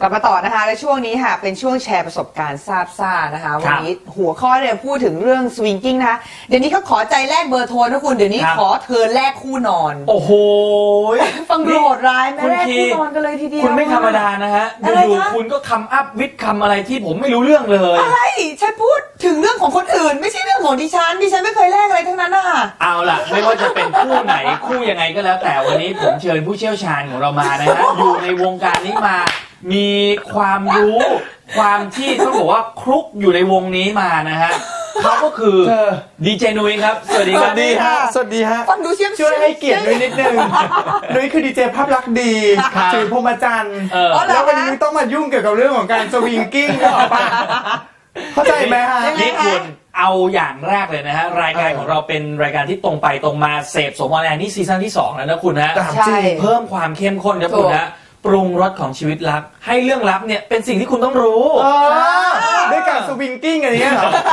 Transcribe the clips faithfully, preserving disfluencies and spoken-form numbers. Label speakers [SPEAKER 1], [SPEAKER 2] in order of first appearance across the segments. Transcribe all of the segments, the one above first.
[SPEAKER 1] กลับมาต่อนะคะและช่วงนี้ค่ะเป็นช่วงแชร์ประสบการณ์ทราบซ่านะคะวันนี้หัวข้อเนี่ยพูดถึงเรื่องสวิงกิ้งนะคะเดี๋ยวนี้เขาขอใจแลกเบอร์โทรนะคุณเดี๋ยวนี้ขอเธอแลกคู่นอน
[SPEAKER 2] โอ้โห
[SPEAKER 1] ฟังดูโหดร้ายไม่แลกคู่นอนกันเลยทีเดียว
[SPEAKER 2] คุณไม่ธรรมดานะฮะอยู่ๆคุณก็คำอัพวิทย์คำอะไรที่ผมไม่รู้เรื่องเลย
[SPEAKER 1] อะไรฉันพูดถึงเรื่องของคนอื่นไม่ใช่เรื่องของดิฉันดิฉันไม่เคยแลกอะไรทั้งนั้นน่ะ
[SPEAKER 2] เอาล่ะไม่ว่าจะเป็นคู่ไหนคู่ยังไงก็แล้วแต่วันนี้ผมเชิญผู้เชี่ยวชาญของเรามานะฮะอยู่ในวงการนี้มามีความรู้ความที่ต้องบอกว่าคลุกอยู่ในวงนี้มานะฮะเขาก็คือดีเจนุ้ยครับสวัสดีครับ
[SPEAKER 3] ดีฮะสวัสดีฮะ
[SPEAKER 1] ฟังดูเชี่ยม
[SPEAKER 3] ช่วยให้เกียรตินุ้ยนิดนึงนุ้ยคือดีเจภาพลักษณ์ดีถือพรหมจรรย์แล้ววันนี้นุ้ยต้องมายุ่งเกี่ยวกับเรื่องของการสวิงกิ้งก็ออกปะเข้าใจไหมฮะ
[SPEAKER 2] นี่คุณเอาอย่างแรกเลยนะฮะรายการของเราเป็นรายการที่ตรงไปตรงมาเสพสมออนแอร์นี่ซีซั่นที่สองแล้วนะคุณนะ
[SPEAKER 1] ใช่
[SPEAKER 2] เพิ่มความเข้มข้นครับคุณนะปรุงรสของชีวิตรักให้เรื่องลับเนี่ยเป็นสิ่งที่คุณต้องรู้
[SPEAKER 3] ด้วยการสวิงกิ้งอะไรเงี้ยเหรอ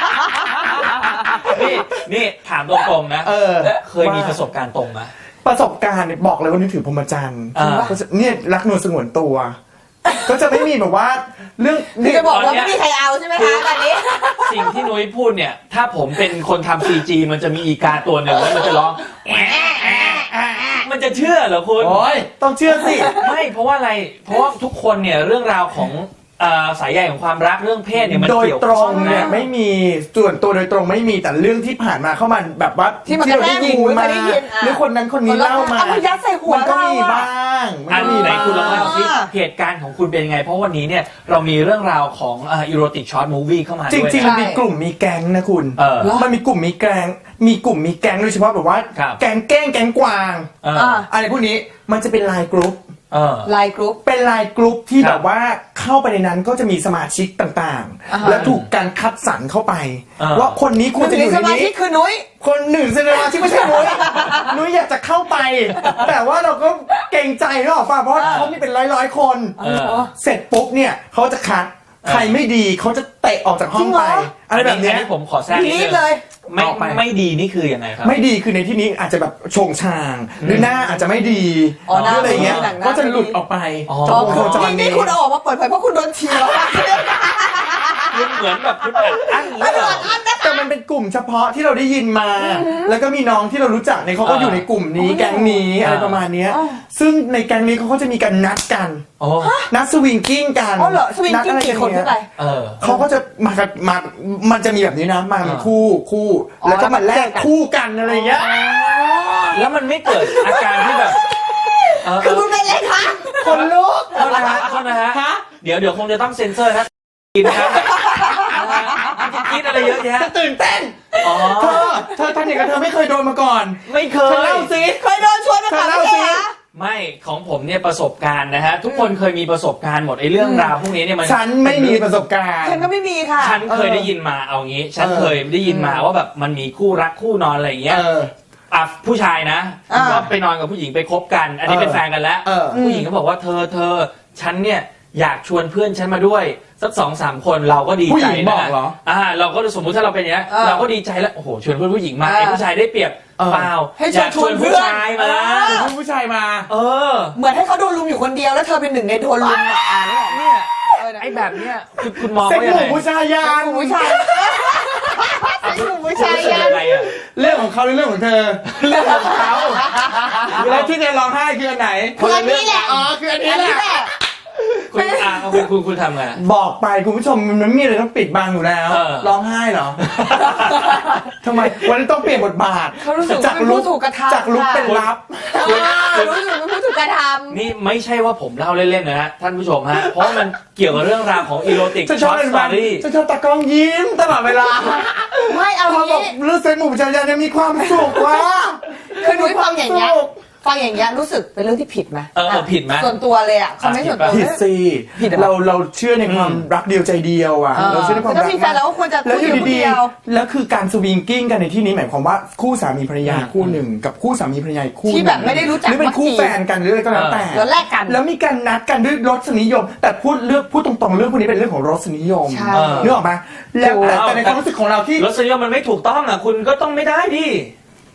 [SPEAKER 2] นี่นี่ถามตรงๆนะเออเคยมีประสบการณ์ตรงไหม
[SPEAKER 3] ประสบการณ์บอกเลยว่านึกถึงพรหมจรรย์เนี่ยรักนวลสงวนตัวก็จะไม่มีแบบว่าเรื่อง
[SPEAKER 1] นี่จะบอกว่าไม่มีใครเอาใช่ไหมคะตอนนี้
[SPEAKER 2] สิ่งที่นุ้ยพูดเนี่ยถ้าผมเป็นคนทำซีจีมันจะมีอีกาตัวหนึ่งแล้วมันจะร้องมันจะเชื่อเหรอคุณ
[SPEAKER 3] โอ้ยต้องเชื่อสิ
[SPEAKER 2] ไม่เพราะว่าอะไรเพราะว่าทุกคนเนี่ยเรื่องราวของสายใยของความรักเรื่องเพศเนี่ยมัน
[SPEAKER 3] โดยตรงเนี่ยไม่มีส่วนตัวโดยตรงไม่มีแต่เรื่องที่ผ่านมาเข้ามาแบบว่า
[SPEAKER 1] ที่มันได้ยินมา
[SPEAKER 3] หรือคนนั้นคนนี้เล่ามา
[SPEAKER 1] มันยัดใส่หัว
[SPEAKER 3] มันก็มีบ้าง
[SPEAKER 2] อันไหนคุณลองเล่าสิเหตุการณ์ของคุณเป็นยังไงเพราะวันนี้เนี่ยเรามีเรื่องราวของอีโรติกช็อตมูฟวี่เข้ามาด้วย
[SPEAKER 3] จริงๆมันมีกลุ่มมีแก๊งนะคุณมันมีกลุ่มมีแก๊งมีกลุ่มมีแก๊งโดยเฉพาะแบบว่าแก๊งแก้งแก๊งกวางอะไรพวกนี้มันจะเป็นไลน์กรุ๊ป
[SPEAKER 1] ไลน์กรุ๊ป
[SPEAKER 3] เป็นไลน์กรุ๊ปที่แบบว่าเข้าไปในนั้นก็จะมีสมาชิกต่างๆแล้วถูกการคัดสรรเข้าไปว่าคนนี้ควรจะอยู่ในนี้
[SPEAKER 1] สมาชิกคือนุ้ย
[SPEAKER 3] คนหนึ่งสมาชิกไม่ใช่นุ้ยนุ้ยอยากจะเข้าไปแต่ว่าเราก็เกรงใจเนอะเพราะเขามีเป็นร้อยๆคนเสร็จปุ๊บเนี่ยเขาจะคัดใครไม่ดีเขาจะเตะออกจากห้องไปอะไรแบบนี้
[SPEAKER 2] ผมขอแทรกนิดนึง
[SPEAKER 1] เลย
[SPEAKER 2] ไม่ไม่ดีนี่คือยังไงครับ
[SPEAKER 3] ไม่ดีคือในที่นี้อาจจะแบบโฉงฉางหรือหน้าอาจจะไม่ดีอะไรเงี้ยก็จะหลุดออกไป
[SPEAKER 1] จอมโคจรนี่คุณออกมาเปิดเผยเพราะคุณโดนทีแล้ว
[SPEAKER 2] คุณเหมือนแบบคุณอัดอั้น
[SPEAKER 3] แต่มันเป็นกลุ่มเฉพาะที่เราได้ยินมาแล้วก็มีน้องที่เรารู้จักในเขาก็อยู่ในกลุ่มนี้แก๊งนี้อะไรประมาณนี้ซึ่งในแก๊งนี้เขาก็จะมีการนัดกันนัดสวิงกิ้งกัน
[SPEAKER 1] อ๋อเหรอสวิงกิ้งกี่คนขึ้นไป
[SPEAKER 3] เขาก็จะมามามันจะมีแบบนี้นะมาเป็นคู่คู่แล้วก็มาแลกคู่กันอะไรเงี้ย
[SPEAKER 2] แล้วมันไม่เกิดอาการที่แบบ
[SPEAKER 1] คือคุณเป็นอะไรคะ
[SPEAKER 3] คนลุก
[SPEAKER 2] โทษนะฮะโทษนะฮะเดี๋ยวเดี๋ยวคงจะต้องเซ็นเซอร์นะกินนะครับคิดอะไรเยอะแยะ
[SPEAKER 3] ตื่นเต้นเธอเธอท่านเด็กกับเธอไม่เคยโดนมาก่อน
[SPEAKER 2] ไม่เคย
[SPEAKER 3] เล่าสิ
[SPEAKER 1] เคยโดนชวนมา
[SPEAKER 3] เล่าสิ
[SPEAKER 2] ไม่ของผมเนี่ยประสบการณ์นะฮะทุกคนเคยมีประสบการณ์หมดไอ้เรื่องราวพวกนี้เนี่ยมัน
[SPEAKER 3] ฉันไม่มีประสบการณ์
[SPEAKER 1] ฉันก็ไม่มีค่ะ
[SPEAKER 2] ฉันเคยได้ยินมาเอางี้ฉันเคยได้ยินมาว่าแบบมันมีคู่รักคู่นอนอะไรอย่างเงี้ยอ่ะผู้ชายนะก็ไปนอนกับผู้หญิงไปคบกันอันนี้เป็นแฟนกันแล้วผู้หญิงก็บอกว่าเธอเธอฉันเนี่ยอยากชวนเพื่อนฉันมาด้วยสักสองสามคนเราก็ดีใจนะอ่าเราก็สมมุติถ้าเราเป็นอย่างนี้เราก็ดีใจแล้วโอ้โหชวนเพื่อนผู้หญิงมาไอ้ผู้ชายได้เปรียบเปล่า
[SPEAKER 1] ให้ชวนชวนผู้
[SPEAKER 2] ชายมา
[SPEAKER 3] ชวนผู้ชายมา
[SPEAKER 2] เออ
[SPEAKER 1] เหมือนให้เขาโดนลุมอยู่คนเดียวแล้วเธอเป็นหนึ่งในโดนลุมอ่ะ
[SPEAKER 2] เนี่ยไอ้แบบเนี้ยคือคุณมอง
[SPEAKER 3] ว่ายังไง
[SPEAKER 1] ผู้ชายยานผู้ชายผู้ชายยาน
[SPEAKER 3] เรื่องของเขาหรือเรื่องของเธอ
[SPEAKER 2] เรื่องของเขา
[SPEAKER 3] แล้วที่จะร้องไห้คืออันไหน
[SPEAKER 1] คืออันนี้แหละ
[SPEAKER 3] อ๋อคืออันนี้แหละ
[SPEAKER 2] คุณอ่ะคุณคุณคุณทำไง
[SPEAKER 3] บอกไปคุณผู้ชมมันไม่มีอะไรต้องปิดบังอยู่แล้วร้องไห้เหรอทำไมวันนี้ต้องเปลี่ยนบทบาท
[SPEAKER 1] จากลุก
[SPEAKER 3] จากลุกเป็นลับ
[SPEAKER 1] รู้สึกเป็นผู้ถูกกระทำ
[SPEAKER 2] นี่ไม่ใช่ว่าผมเล่าเล่นๆนะฮะท่านผู้ชมฮะเพราะมันเกี่ยวกับเรื่องราวของอีโรติกช็อตสตอรี่
[SPEAKER 3] จะชอบตากล้องยิ้มตลอดเวลา
[SPEAKER 1] ไม่เอา
[SPEAKER 3] เขาบอกเรื่องเซ็นหมู่ชายยันมีความสุขว่า
[SPEAKER 1] คือนุ้ยฟังอย่างเงี้ยฟังอย่างเงี้ยรู้สึกเป็นเรื่องที่ผิดไหม
[SPEAKER 2] เออผิดไหม
[SPEAKER 1] ส่วนตัวเลยอ่ะเขาไม่ส่วนตัว
[SPEAKER 3] ผิดสิเราเราเชื่อในความรักเดียวใจเดียวอ่ะเราเชื่อในความรัก
[SPEAKER 1] แล้วมีแฟนแล้วควรจะ
[SPEAKER 3] แล้วอยู่ดีๆแล้วคือการสวิงกิ้งกันในที่นี้หมายความว่าคู่สามีภรรยาคู่หนึ่งกับคู่สามีภรรยาคู่
[SPEAKER 1] ที่แบบไม่ได้รู้จัก
[SPEAKER 3] หรือเป็นคู่แฟนกันหรืออะไรก็แล้วแต่
[SPEAKER 1] แล้วแลกกัน
[SPEAKER 3] แล้วมีการนัดกันด้วยรสนิยมแต่พูดเรื่องพูดตรงๆเรื่องพวกนี้เป็นเรื่องของรสนิยมนึกออกไหมแล้วแต่ในความรู้สึกของเราที่
[SPEAKER 2] รสนิยมมันไม่ถูกต้องอ่ะคุณก็ต้องไม่ได้ดิ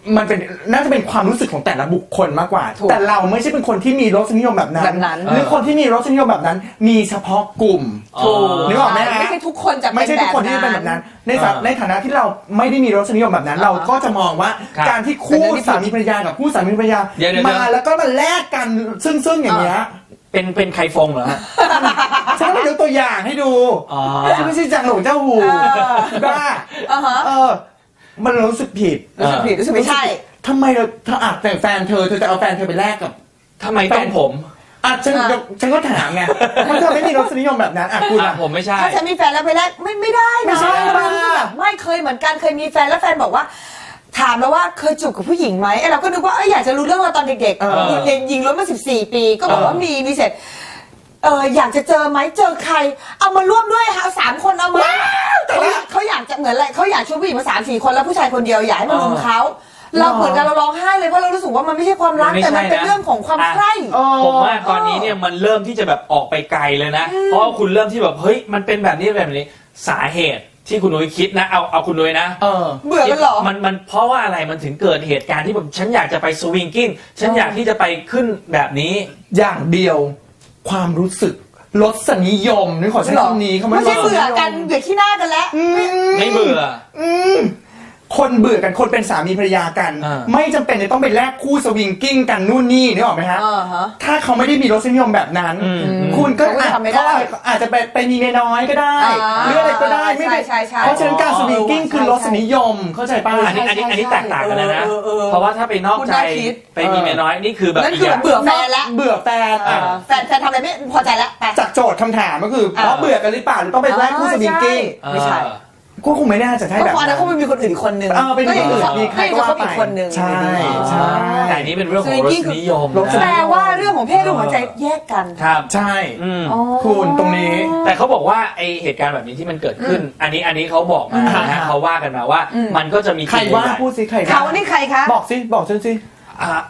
[SPEAKER 3] มันเป็นน่าจะเป็นความรู้สึกของแต่ละบุคคลมากกว่า
[SPEAKER 1] ถูก
[SPEAKER 3] แต่เราไม่ใช่เป็นคนที่มีรสนิยมแบบนั้น
[SPEAKER 1] แบบนั้น
[SPEAKER 3] หรือคนที่มีรสนิยมแบบนั้น มีเฉพาะกลุ่ม
[SPEAKER 2] ถูก
[SPEAKER 3] นึกออกไหมฮะ
[SPEAKER 1] ไม่ใช่ทุกคนจะเป็น
[SPEAKER 3] ไม่ใช่ทุกคนที่
[SPEAKER 1] แบบ
[SPEAKER 3] เป็น
[SPEAKER 1] นั้น
[SPEAKER 3] แบบนั้น ในฐา
[SPEAKER 2] อ่า
[SPEAKER 3] ในฐานะที่เราไม่ได้มีรสนิยมแบบนั้น เราก็จะมองว่า
[SPEAKER 2] ครับ
[SPEAKER 3] การที่คู่
[SPEAKER 1] เป็นเรื่องที่
[SPEAKER 3] สามีภรรยากับคู่สามีภรรยา
[SPEAKER 2] เดี๋ยวเดี๋ยว
[SPEAKER 3] มาแล้วก็มาแลกกันซึ่งๆอย่างเงี้ย
[SPEAKER 2] เป็นเป็นไข่ฟงเหรอฮะ
[SPEAKER 3] ฉันก็ยกตัวอย่างให้ดู
[SPEAKER 2] อ๋อ
[SPEAKER 3] ฉันไม่ใช่จังหลงเจ้าหู
[SPEAKER 1] เออ
[SPEAKER 3] บ้า
[SPEAKER 1] อ่าฮะ
[SPEAKER 3] เออ มันรู้สึกผิด
[SPEAKER 1] รู้สึกผิดรู้สึกไม่ใช่
[SPEAKER 3] ทำไมเราเธออาจแต่งแฟนเธอเธอจะเอาแฟนเธอไปแลกกับ
[SPEAKER 2] ทำไมต้องผม
[SPEAKER 3] อ่ะฉัน
[SPEAKER 1] อ่ะ
[SPEAKER 3] ก็ฉันก็ถามไงมันเธอไม่มีรสนิยมแบบนั้นอ่ะคุณ
[SPEAKER 2] อ่ะ
[SPEAKER 3] อ่ะ
[SPEAKER 2] ผมไม่ใช่
[SPEAKER 1] ถ้าฉันมีแฟนแล้วไปแลกไม่ไม่ได้นะ
[SPEAKER 3] ไม่ใช่
[SPEAKER 1] บางทีก็แบบไม่เคยเหมือนกันเคยมีแฟนแล้วแฟนบอกว่า ถามแล้วว่าเคยจูบกับผู้หญิงไหมไอ้เราก็นึกว่าเอ้ยอยากจะรู้เรื่องเราตอนเด็ก
[SPEAKER 3] เออ
[SPEAKER 1] ๆเรียนยิงล้วนมาสิบสี่ปี ก็บอกว่า
[SPEAKER 2] เออ
[SPEAKER 1] มีมีเสร็จเอออยากจะเจอไหมเจอใคร เอามาร่วมด้วยค่ะเอาสามคนเอามาเขาอยากเขาอยากจะเหมือนอะไรเขาอยากชวนผู้หญิงมาสามสี่คนแล้วผู้ชายคนเดียวอยากให้มารุมเขาเราเหมือนกันเราร้องไห้เลยเพราะเรารู้สึกว่ามันไม่ใช่ความรัก
[SPEAKER 2] ไม่
[SPEAKER 1] แต่มัน
[SPEAKER 2] ใช่
[SPEAKER 1] เป็น
[SPEAKER 2] นะ
[SPEAKER 1] เรื่องของความ
[SPEAKER 2] อ่ะ
[SPEAKER 1] ใคร่
[SPEAKER 3] เออ
[SPEAKER 2] ผมว่าตอนนี้เนี่ยมันเริ่มที่จะแบบออกไปไกลเลยนะ เพราะว่าคุณเริ่มที่แบบเฮ้ยมันเป็นแบบนี้แบบนี้สาเหตุที่คุณนุ้ยคิดนะเอาเอาคุณนุ้ยนะ
[SPEAKER 3] เออ
[SPEAKER 1] เบื่อกันเหรอ
[SPEAKER 2] มันมันเพราะว่าอะไรมันถึงเกิดเหตุการณ์ที่แบบฉันอยากจะไปสวิงกิ้งฉันอยากที่จะไปขึ้นแบบนี้
[SPEAKER 3] อย่างเดียวความรู้สึกรสนิยมนี่ขอใช้คำนี้เขา
[SPEAKER 1] ไม่ใช่เบื่อกัน
[SPEAKER 3] รส
[SPEAKER 1] เบื่อขี้หน้ากันแล้ว
[SPEAKER 3] อืม
[SPEAKER 2] ไม่เบื่อ
[SPEAKER 3] อืมคนเบื่อกันคนเป็นสามีภรรยากัน
[SPEAKER 2] อ่า
[SPEAKER 3] ไม่จำเป็นจะต้องไปแลกคู่สวิงกิ้งกันนู่นนี่นึกออกไหมฮะ
[SPEAKER 1] อ่าฮะ
[SPEAKER 3] ถ้าเขาไม่ได้มีรสนิยมแบบนั้น
[SPEAKER 2] อืม
[SPEAKER 3] คุณก็
[SPEAKER 1] เขาก็
[SPEAKER 3] อาจ
[SPEAKER 1] ทำไม่ได้
[SPEAKER 3] เขาอาจจะไปไปมีเมียน้อยก็ได้
[SPEAKER 1] อ่า
[SPEAKER 3] หรืออะไรก็ได้ไม่ได้
[SPEAKER 1] ใช่ใช่ใช่
[SPEAKER 3] เพราะฉะนั้นการสวิงกิ้ง
[SPEAKER 1] อ๋อ
[SPEAKER 3] คือรสนิยมเข้าใจป่ะ
[SPEAKER 2] อันนี้อันนี้อันนี้แตกต่างกันเลยนะ
[SPEAKER 1] เออเออเออ
[SPEAKER 2] เพราะว่าถ้าไปนอก
[SPEAKER 1] คุณ
[SPEAKER 2] ใจ
[SPEAKER 1] น่าคิด
[SPEAKER 2] ไปมีเมียน้อยนี่คือแบบ
[SPEAKER 1] นั่น
[SPEAKER 2] อีก
[SPEAKER 1] คือ
[SPEAKER 2] อย่าง
[SPEAKER 1] เบื่อแฟนแล้ว
[SPEAKER 3] เบื่อแฟน
[SPEAKER 1] เอ
[SPEAKER 3] อ่ะ
[SPEAKER 1] อแฟนแฟนทำอะไรไม่พอใจแล้วไป
[SPEAKER 3] จากโจทย์คำถามก็คือ
[SPEAKER 1] อ่า
[SPEAKER 3] เพราะเบื่อกันหรือเปล่าหรือต้องไปแลกคู่สวิงกิ้ง
[SPEAKER 1] ใช่ ไม่ใช่
[SPEAKER 2] เออ
[SPEAKER 3] ก็คงไม่น่าจะใช่
[SPEAKER 1] ก็
[SPEAKER 3] แบบ
[SPEAKER 1] พอนั้นเขาไม่มีคนอื่นอีกคนนึง
[SPEAKER 3] เออเป็น
[SPEAKER 1] ก็
[SPEAKER 3] คน
[SPEAKER 1] ยัง
[SPEAKER 3] อื่น
[SPEAKER 1] จะ
[SPEAKER 3] มีใครก็ว่า
[SPEAKER 1] เขา
[SPEAKER 3] ไป
[SPEAKER 1] อีกคนนึง
[SPEAKER 3] ใช่ใช่
[SPEAKER 2] แต่อันนี้เป็นเรื่องของรสนิยม
[SPEAKER 3] รสนิยม
[SPEAKER 1] แปล
[SPEAKER 2] นะ
[SPEAKER 1] ว่าเรื่องของเพศเรื่องของหัวใจแยกกัน
[SPEAKER 2] ครับ
[SPEAKER 3] ใช่
[SPEAKER 2] อืม
[SPEAKER 1] อ๋อ
[SPEAKER 3] คุณตรงนี้
[SPEAKER 2] แต่เขาบอกว่าไอเหตุการณ์แบบนี้ที่มันเกิดขึ้น อันนี้อันนี้เขาบอกมานะ
[SPEAKER 3] อ่า
[SPEAKER 2] ฮะเขาว่ากันมาว่า
[SPEAKER 1] อืม
[SPEAKER 2] มันก็จะมี
[SPEAKER 3] ใครว่า
[SPEAKER 2] ใหญ่ๆ
[SPEAKER 3] พูดสิใคร
[SPEAKER 1] เขานี่ใครคะ
[SPEAKER 3] บอกสิบอกฉันสิ
[SPEAKER 2] อ่า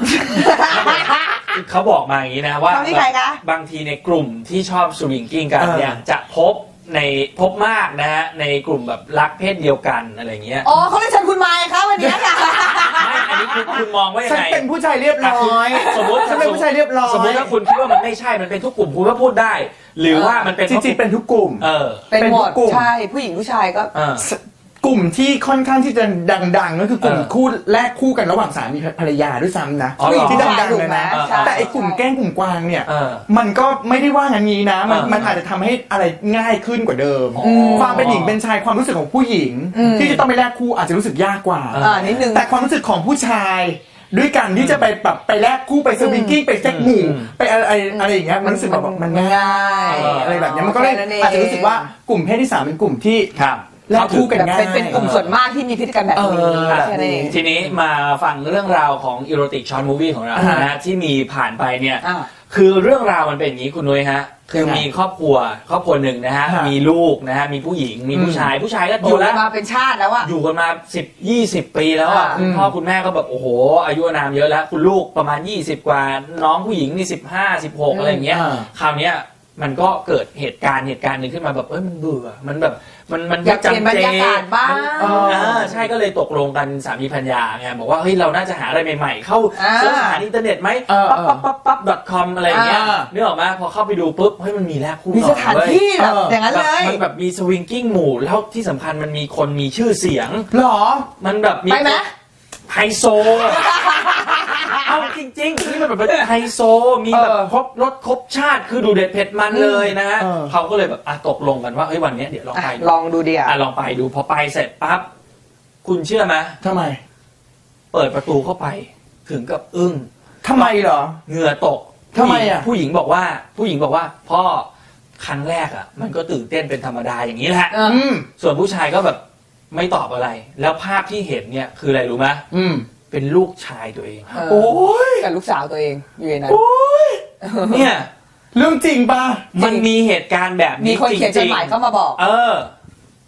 [SPEAKER 2] เขาบอกมาอย่างนี้นะว่า
[SPEAKER 1] เขานี่ใครคะ
[SPEAKER 2] บางทีในกลุ่มที่ชอบสวิงกิ้งกัน
[SPEAKER 3] เออ
[SPEAKER 2] เนี่ยจะพบในพบมากนะฮะในกลุ่มแบบรักเพศเดียวกันอะไรเงี้ย
[SPEAKER 1] อ๋อเขาเรียกฉันคุณมายคะวันนี้ค่ะ
[SPEAKER 2] ไม่อันนี้คุณคุณมองว่ายัง
[SPEAKER 3] ฉัน
[SPEAKER 2] ไง
[SPEAKER 3] เป็นผู้ชายเรียบร้อย
[SPEAKER 2] สมมติ
[SPEAKER 3] ฉันเป็นผู้ชายเรียบร้อย
[SPEAKER 2] สมมติถ้าคุณคิดว่ามันไม่ใช่มันเป็นทุกกลุ่มคุณก็พูดได้ หรือว่ามันเป็น
[SPEAKER 3] จริงๆเป็นทุกกลุ่ม
[SPEAKER 2] เออ
[SPEAKER 1] เป็นหมด
[SPEAKER 3] เป็นกลุ่ม
[SPEAKER 1] ใช่ผู้หญิงผู้ชายก็
[SPEAKER 2] เออ
[SPEAKER 3] กลุ่มที่ค่อนข้างที่จะดังๆก็คือกลุ่ม
[SPEAKER 2] เออ
[SPEAKER 3] คู่แลกคู่กันระหว่างสามีภรรยาด้วยซ้ำนะ
[SPEAKER 2] อ๋อเหรอ
[SPEAKER 3] ที่ดังๆเลยนะ
[SPEAKER 1] ใช่
[SPEAKER 3] แต่ไอ้กลุ่มแกล้งกลุ่มกวางเนี่ย
[SPEAKER 2] เออ
[SPEAKER 3] มันก็ไม่ได้ว่างั้นนี้นะ มัน
[SPEAKER 2] เออ
[SPEAKER 3] มันอาจจะทำให้อะไรง่ายขึ้นกว่าเดิม
[SPEAKER 2] อ๋อ
[SPEAKER 3] ความเป็นหญิงเป็นชายความรู้สึกของผู้หญิง
[SPEAKER 1] อืม
[SPEAKER 3] ที่จะต้องไปแลกคู่อาจจะรู้สึกยากกว่า
[SPEAKER 1] อ่านิดนึง
[SPEAKER 3] แต่ความรู้สึกของผู้ชาย ด้วยกันที่จะไปแบบไปแลกคู่ไปสวิงกิ้งไปแจ็คหมู่
[SPEAKER 2] อืม
[SPEAKER 3] ไปอะไรอะไรอะไรอย่างเงี้ยมันรู้สึกแบบมันง่าย
[SPEAKER 1] มันง่าย
[SPEAKER 3] อะไรแบบเนี้ยมันก็เลย
[SPEAKER 1] แค่นั้นเอง
[SPEAKER 3] อาจจะรู้สึกว่ากลุ่มเพศที่สามเป็นกลุ่มที่
[SPEAKER 2] ครับ
[SPEAKER 3] แลกคู่กันง่าย
[SPEAKER 1] เป็นเป็นกลุ่มส่วนมากที่มีพฤติกรรมแบบนี้
[SPEAKER 3] เออ
[SPEAKER 1] แค่นั้นเอง
[SPEAKER 2] ทีนี้มาฟังเรื่องราวของอีโรติกช็อตมูวี่ของเรา
[SPEAKER 3] อ่า
[SPEAKER 2] นะฮะที่มีผ่านไปเนี่ย
[SPEAKER 1] อ่า
[SPEAKER 2] คือเรื่องราวมันเป็นอย่างนี้คุณนุ้ยฮะคือ
[SPEAKER 3] ยังไง
[SPEAKER 2] มีครอบครัวครอบครัวหนึ่งนะฮะ
[SPEAKER 3] ฮะ
[SPEAKER 2] มีลูกนะฮะมีผู้หญิงมีผู้ชายผู้ชายก็โต
[SPEAKER 1] อยู่กั
[SPEAKER 2] แล้
[SPEAKER 1] น
[SPEAKER 2] ว
[SPEAKER 1] มาเป็นชาติแล้วอะ
[SPEAKER 2] อยู่กันมาสิบยี่สิบปีแล้วอ่ะ
[SPEAKER 1] อ่า
[SPEAKER 2] คุณพ่อคุณแม่ก็แบบโอ้โหอายุอานามเยอะแล้ว คุณลูกประมาณยี่สิบกว่าน้องผู้หญิงนี่สิบห้าสิบหกอะไรอย่างเงี้ย
[SPEAKER 3] อ่า
[SPEAKER 2] คราวเนี้ยมันก็เกิดเหตุการณ์เหตุการณ์หนึ่งขึ้นมาแบบเอ้ยมันเบื่อมันแบบมันมัน
[SPEAKER 1] อยากเปลี่ยนบรรยากาศบ้าง
[SPEAKER 2] มันเอออ่าใช่ก็เลยตกลงกันสามีภรรยาไงบอกว่าเฮ้ยเราน่าจะหาอะไรใหม่ๆ เข้า
[SPEAKER 1] อ่า
[SPEAKER 2] เสิร์ชหาอินเทอร์เน็ตไหม
[SPEAKER 3] เออ
[SPEAKER 2] ปั๊บปั๊บปั๊บปั๊บ .com อะไรอย่างเงี้ย
[SPEAKER 3] อ่า
[SPEAKER 2] นึกออกไหมพอเข้าไปดูปุ๊บเฮ้ยมันมีแลกคู่
[SPEAKER 1] มี
[SPEAKER 2] นอ
[SPEAKER 1] ส
[SPEAKER 2] น
[SPEAKER 1] ถาน
[SPEAKER 2] เว้ย
[SPEAKER 1] ที่แบบ
[SPEAKER 3] เออ
[SPEAKER 1] อ
[SPEAKER 3] อย่าง
[SPEAKER 1] นั้น
[SPEAKER 2] แบบ
[SPEAKER 1] เลย
[SPEAKER 2] มันแบบมีสวิงกิ้งหมู่แล้วที่สำคัญมันมีคนมีชื่อเสียง
[SPEAKER 3] หรอ
[SPEAKER 2] มันแบบมี
[SPEAKER 1] ไปไหม
[SPEAKER 2] ไฮโซ เอาจริงๆนี่มันแบบไฮโซ มีแบบ
[SPEAKER 3] เออ
[SPEAKER 2] ครบรสครบชาติคือดูเด็ดเผ็ดมันเลยนะฮะ
[SPEAKER 3] เออ
[SPEAKER 2] เขาก็เลยแบบอ่ะตกลงกันว่าเฮ้ยวันเนี้ยเดี๋ยวลอง
[SPEAKER 1] อ่ะ
[SPEAKER 2] ไปดู
[SPEAKER 1] ลองดูดิอ่ะ
[SPEAKER 2] อ่ะลองไปดูพอไปเสร็จปั๊บคุณเชื่อไหม
[SPEAKER 3] ทำไม
[SPEAKER 2] เปิดประตูเข้าไป ถึงกับอึ้ง
[SPEAKER 3] ทำไมเหรอ
[SPEAKER 2] เหงื่อตก
[SPEAKER 3] ทำไมอ่ะ
[SPEAKER 2] ผู้หญิงบอกว่า ผู้หญิงบอกว่าพ่อครั้งแรกอ่ะ มันก็ตื่นเต้นเป็นธรรมดาอย่างนี้แหละ
[SPEAKER 1] เออ
[SPEAKER 3] อืม
[SPEAKER 2] ส่วนผู้ชายก็แบบไม่ตอบอะไร แล้วภาพที่เห็นเนี่ยคืออะไรรู้ไหม
[SPEAKER 3] อืม
[SPEAKER 2] เป็นลูกชายตัวเอง
[SPEAKER 1] เออ
[SPEAKER 3] โอ้ย
[SPEAKER 1] กับลูกสาวตัวเองอยู่ในนั้น
[SPEAKER 2] เนี่ย
[SPEAKER 3] เรื่องจริงปะ
[SPEAKER 2] มันมีเหตุการณ์แบบ
[SPEAKER 1] มี
[SPEAKER 2] นี้
[SPEAKER 1] คน
[SPEAKER 2] จ
[SPEAKER 1] เขียนจ
[SPEAKER 2] ริ
[SPEAKER 1] ด
[SPEAKER 2] ง
[SPEAKER 1] หมายเข้ามาบอก
[SPEAKER 2] ๆเออ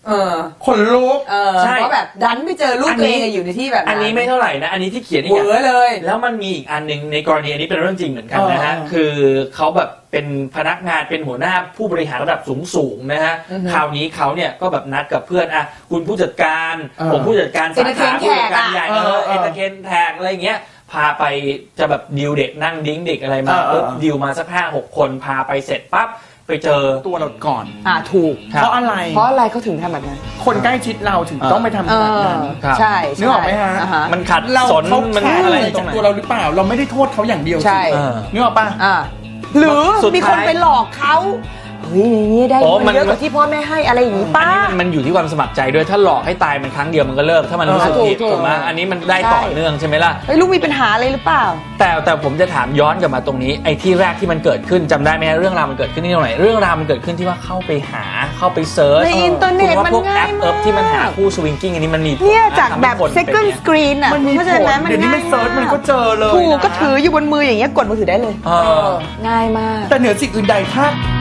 [SPEAKER 1] เออ
[SPEAKER 3] คนลุก
[SPEAKER 1] เออ
[SPEAKER 2] ใช่
[SPEAKER 1] เพราะแบบดันไปเจอลูก
[SPEAKER 2] อัน
[SPEAKER 1] ตัว
[SPEAKER 2] นี้
[SPEAKER 1] เองอะอยู่ในที่แบบ
[SPEAKER 2] อันนี้ไม่เท่าไหร่นะ อันนี้ที่เขียนอี
[SPEAKER 1] เห
[SPEAKER 2] ก
[SPEAKER 1] ว
[SPEAKER 2] อย่าง
[SPEAKER 1] อเลย
[SPEAKER 2] แล้วมันมีอีกอันหนึ่งในกรณีอันนี้เป็นเรื่องจริงเหมือนกันนะฮะ
[SPEAKER 3] เออ
[SPEAKER 2] คือเขาแบบเป็นพนักงานเป็นหัวหน้าผู้บริหารระดับสูงๆนะฮะ คราวนี้เขาเนี่ยก็แบบนัดกับเพื่อนอ่ะคุณผู้จัดการ
[SPEAKER 3] เออ
[SPEAKER 2] ผมผู้จัดการสาขา
[SPEAKER 1] Entertain
[SPEAKER 2] ผู้จัดการ
[SPEAKER 1] แขกอะ
[SPEAKER 2] ใหญ่เอ
[SPEAKER 3] เอ
[SPEAKER 2] อ
[SPEAKER 3] อเอ
[SPEAKER 2] เอ
[SPEAKER 3] อ
[SPEAKER 2] นเตอร์เทนแทกอะไรอย่างเงี้ย พาไปจะแบบดิวเด็กนั่งดิ้งเด็กอะไรมา
[SPEAKER 3] เออเออ
[SPEAKER 2] ปุ๊บดิวมาสักห้าหกคนพาไปเสร็จปั๊บไปเจอ
[SPEAKER 3] ตัวเราก่อน
[SPEAKER 1] อ่าถูก
[SPEAKER 2] ครับ
[SPEAKER 3] เพราะอะไร
[SPEAKER 1] เพราะอะไรเขาถึงทำแบบนั้น
[SPEAKER 3] คนใกล้ชิดเราถึงต้องไปทำ
[SPEAKER 1] เอ
[SPEAKER 3] แบบ
[SPEAKER 1] อ
[SPEAKER 3] นั้น
[SPEAKER 2] ครับ
[SPEAKER 1] ใช่
[SPEAKER 3] นึกออกไหมฮะ
[SPEAKER 1] อ่าฮะ
[SPEAKER 2] มันขัด
[SPEAKER 3] เรา
[SPEAKER 2] สน
[SPEAKER 3] เขา
[SPEAKER 2] มัน
[SPEAKER 3] แค่
[SPEAKER 2] อะไร
[SPEAKER 3] อะไร
[SPEAKER 2] ตร
[SPEAKER 3] จาก
[SPEAKER 2] งไหน
[SPEAKER 3] ตัวเราหรือเปล่า เราไม่ได้โทษเขาอย่างเดียว
[SPEAKER 1] ใช่
[SPEAKER 2] เออ
[SPEAKER 3] นึกออกปะ
[SPEAKER 1] อ่าหรือ
[SPEAKER 2] สุดท้าย
[SPEAKER 1] มีคนไปหลอกเขาเฮ้ยอย่างนี้ได้
[SPEAKER 2] โอ้มั
[SPEAKER 1] เงิ
[SPEAKER 2] น
[SPEAKER 1] นเยอะกว่าที่พ่อแม่ให้อะไรอย่างนี้
[SPEAKER 2] อั
[SPEAKER 1] ป้า
[SPEAKER 2] นนี้มันมันอยู่ที่ความสมัครใจด้วยถ้าหลอกให้ตายมันครั้งเดียวมันก็เลิกถ้ามันรู้สึก
[SPEAKER 1] ถูก
[SPEAKER 2] ผิด
[SPEAKER 1] ถูก
[SPEAKER 2] ถูกไหมอันนี้มันได้
[SPEAKER 1] ใช่
[SPEAKER 2] ต่อเนื่องใช่ไหมล่ะ
[SPEAKER 1] เฮ้ยลูกมีปัญหาอะไรหรือเปล่า
[SPEAKER 2] แต่แต่ผมจะถามย้อนกลับมาตรงนี้ไอ้ที่แรกที่มันเกิดขึ้นจำได้ไหมฮะเรื่องราวมันเกิดขึ้นที่ตรงไหนเรื่องราวมันเกิดขึ้นที่ว่าเข้าไปหาเข้าไปเซิร์ช
[SPEAKER 1] ในอินเทอร์เน็ต
[SPEAKER 2] คุณว่าพวก
[SPEAKER 1] มัน
[SPEAKER 2] แอ
[SPEAKER 1] ง่าย
[SPEAKER 2] ปเอิบ
[SPEAKER 1] มาก
[SPEAKER 2] ที่มันหาคู่สวิงกิ้งอันนี้มันมีผล
[SPEAKER 1] เนี่ย
[SPEAKER 2] นะ
[SPEAKER 1] จาก
[SPEAKER 2] ทำให้
[SPEAKER 1] แบบ
[SPEAKER 2] คนเป็น
[SPEAKER 1] second
[SPEAKER 2] เนี่ย
[SPEAKER 1] screen อ่ะ
[SPEAKER 3] มันมี
[SPEAKER 1] เข้า
[SPEAKER 3] ผ
[SPEAKER 1] ใจ
[SPEAKER 3] ล
[SPEAKER 1] ไหมมัน
[SPEAKER 3] เดี๋ยวนี้
[SPEAKER 1] ง่า
[SPEAKER 3] มั
[SPEAKER 1] ย
[SPEAKER 3] นเซิร์ชมันก็เจอเลย
[SPEAKER 1] ถูก
[SPEAKER 3] นะ
[SPEAKER 1] ก็ถืออยู่บนมืออย่างเงี้ยกดมือถือได้เลย
[SPEAKER 2] เออ
[SPEAKER 1] ง่ายมาก
[SPEAKER 3] แต่เหนือสิ่งอื่นใดถ้า